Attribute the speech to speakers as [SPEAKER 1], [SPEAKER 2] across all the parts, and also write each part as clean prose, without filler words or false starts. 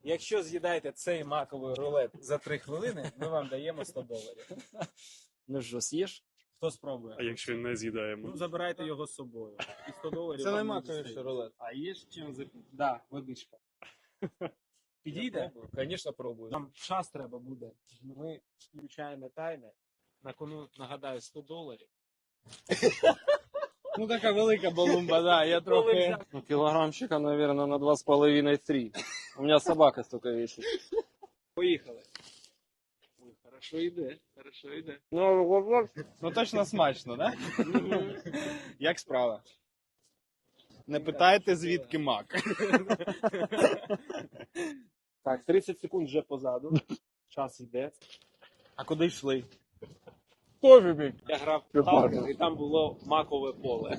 [SPEAKER 1] Якщо з'їдаєте цей маковий рулет за 3 хвилини, ми вам даємо $100.
[SPEAKER 2] Ну що, з'їш?
[SPEAKER 1] Хто спробує?
[SPEAKER 3] А якщо не з'їдаємо?
[SPEAKER 1] Ну, забирайте його з собою. І $100
[SPEAKER 4] Це
[SPEAKER 1] вам
[SPEAKER 4] не
[SPEAKER 1] не
[SPEAKER 4] маковий
[SPEAKER 1] дістають.
[SPEAKER 4] рулет.
[SPEAKER 1] А є ж чим запити? Да, водичка. Підійде?
[SPEAKER 2] Звісно, пробую.
[SPEAKER 1] Нам час треба буде. Ми включаємо таймер. На кону, нагадаю, $100.
[SPEAKER 4] Ну така велика балумба, да, я трохи...
[SPEAKER 2] Ну, килограммчика, наверное, на 2,5-3. У меня собака столько весит.
[SPEAKER 1] Поїхали. Ой, хорошо йде, хорошо йде.
[SPEAKER 4] Ну точно смачно, да? Як справа? Не питайте, звідки мак.
[SPEAKER 1] Так, 30 секунд вже позаду. Час йде.
[SPEAKER 4] А куди йшли?
[SPEAKER 2] Тоже бить.
[SPEAKER 1] Я грав в
[SPEAKER 2] Прикольно.
[SPEAKER 1] Сталкер, і там було макове поле.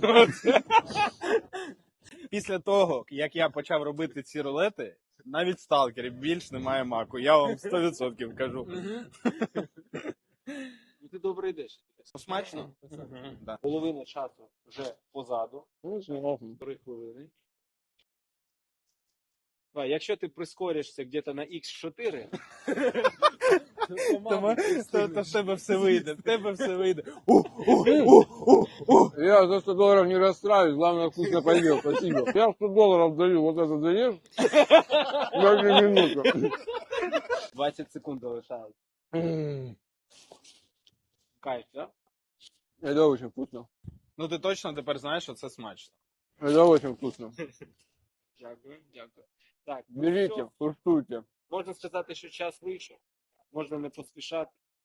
[SPEAKER 4] Після того, як я почав робити ці рулети, навіть в сталкері більш немає маку. Я вам 100% кажу.
[SPEAKER 1] Ну, ти добре йдеш.
[SPEAKER 4] Смачно? Да.
[SPEAKER 1] Половина часу вже позаду.
[SPEAKER 2] Ну, знову.
[SPEAKER 1] 3 хвилини. Давай, якщо ти прискоришся где-то на X4,
[SPEAKER 4] То в тебе все вийде, в тебе все вийде.
[SPEAKER 2] Я за $100 не расстраиваюсь, главное вкусно поел, спасибо. Я $100 даю, вот это даешь? Даже минуту.
[SPEAKER 1] 20 секунд залишається. Кайф, да?
[SPEAKER 2] Это очень вкусно.
[SPEAKER 4] Ну ти точно тепер знаєш, що це смачно.
[SPEAKER 2] Это очень вкусно.
[SPEAKER 1] Дякую, дякую. Так, ну
[SPEAKER 2] Берите,
[SPEAKER 1] що,
[SPEAKER 2] куштуйте.
[SPEAKER 1] можна сказати, що час вийшов. Можна не поспішати.